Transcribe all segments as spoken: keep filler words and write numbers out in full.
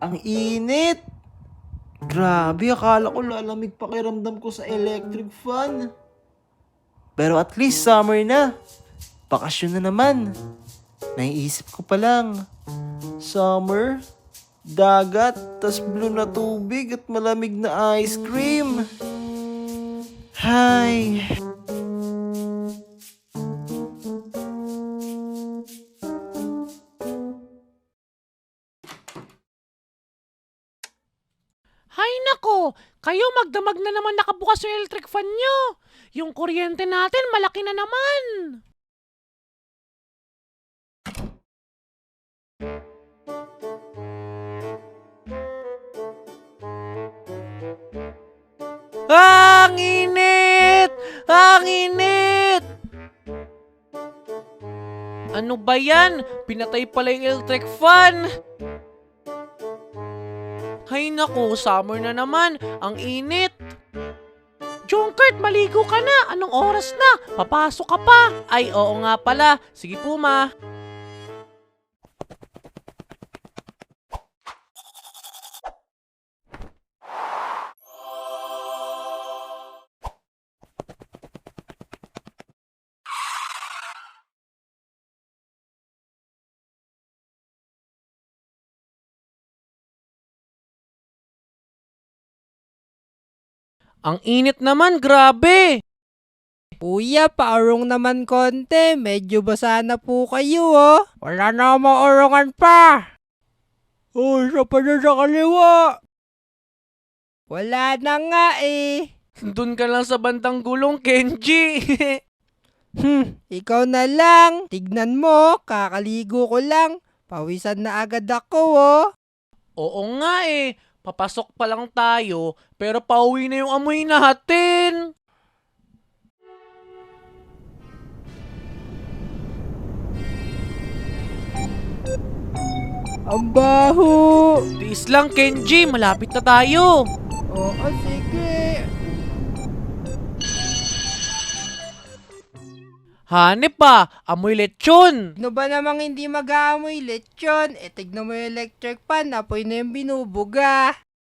Ang init! Grabe, akala ko lalamig pakiramdam ko sa electric fan. Pero at least summer na. Bakasyon na naman. Naiisip ko pa lang. Summer, dagat, tas blue na tubig at malamig na ice cream. Hay. Hay nako, kayo magdamag na naman nakabukas yung electric fan nyo. Yung kuryente natin malaki na naman. Ang init! Ang init! Ano ba yan? Pinatay pala yung electric fan. Hay nako, summer na naman. Ang init. Junkert, maligo ka na. Anong oras na? Papasok ka pa. Ay, oo nga pala. Sige po, ma. Ang init naman, grabe. Kuya, paurong naman konti. Medyo basa na po kayo, oh. Wala na akong maurungan pa. Oh, isa pa na sa kaliwa. Wala na nga eh. Doon ka lang sa bandang gulong, Kenji. Hmm, ikaw na lang. Tignan mo, kakaligo ko lang. Pawisan na agad ako, oh. Oo nga eh. Papasok pa lang tayo, pero pauwi na yung amoy natin. Ang baho. Tiis lang, Kenji. Malapit na tayo. Oo, sige. Hanep pa, amoy lechon. Ano ba namang hindi mag-aamoy lechon? E tignan mo yung electric pan, apoy na yung binubuga.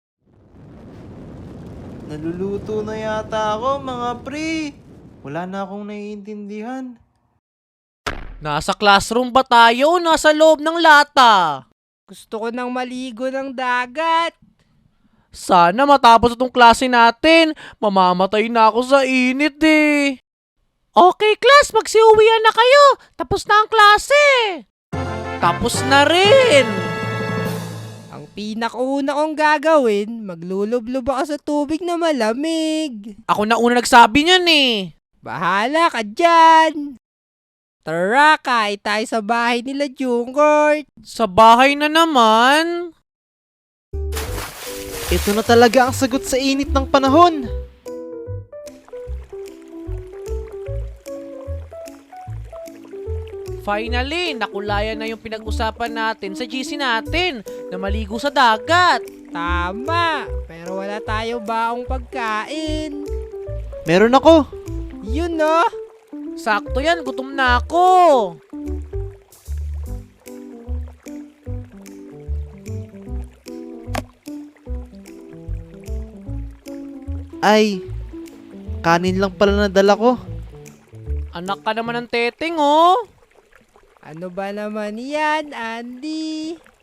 Naluluto na yata ako, mga pre. Wala na akong naiintindihan. Nasa classroom ba tayo o nasa loob ng lata? Gusto ko nang maligo ng dagat. Sana matapos itong klase natin. Mamamatay na ako sa init eh. Okay class, magsiuwian na kayo. Tapos na ang klase. Tapos na rin. Ang pinakauna kong gagawin, maglulublob ako sa tubig na malamig. Ako na una nagsabi niyan eh. Bahala ka dyan. Tara, kain tayo sa bahay nila Jungkook. Sa bahay na naman. Ito na talaga ang sagot sa init ng panahon. Finally, nakulayan na yung pinag-usapan natin sa G C natin na maligo sa dagat. Tama, pero wala tayo baong pagkain. Meron ako. Yun no. Sakto yan, gutom na ako. Ay, kanin lang pala nadala ko. Anak ka naman ng teteng oh. Ano ba naman yan, Andy?